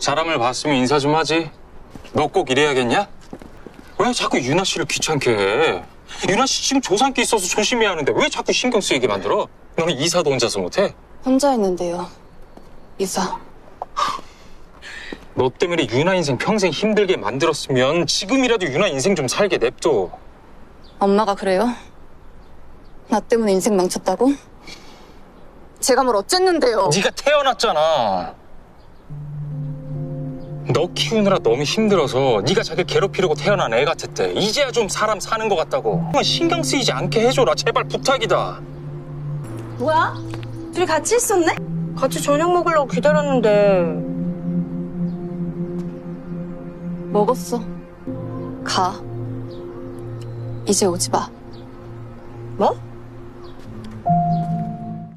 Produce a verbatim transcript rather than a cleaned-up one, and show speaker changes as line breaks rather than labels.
사람을 봤으면 인사 좀 하지. 너 꼭 이래야겠냐? 왜 자꾸 유나 씨를 귀찮게 해? 유나 씨 지금 조상기 있어서 조심해야 하는데 왜 자꾸 신경 쓰이게 만들어? 너는 이사도 혼자서 못해?
혼자 했는데요. 이사.
너 때문에 유나 인생 평생 힘들게 만들었으면 지금이라도 유나 인생 좀 살게 냅둬.
엄마가 그래요? 나 때문에 인생 망쳤다고? 제가 뭘 어쨌는데요?
네가 태어났잖아. 너 키우느라 너무 힘들어서 네가 자기 괴롭히려고 태어난 애 같았대. 이제야 좀 사람 사는 것 같다고. 신경 쓰이지 않게 해줘라. 제발 부탁이다.
뭐야? 둘이 같이 있었네?
같이 저녁 먹으려고 기다렸는데.
먹었어. 가. 이제 오지 마.
뭐?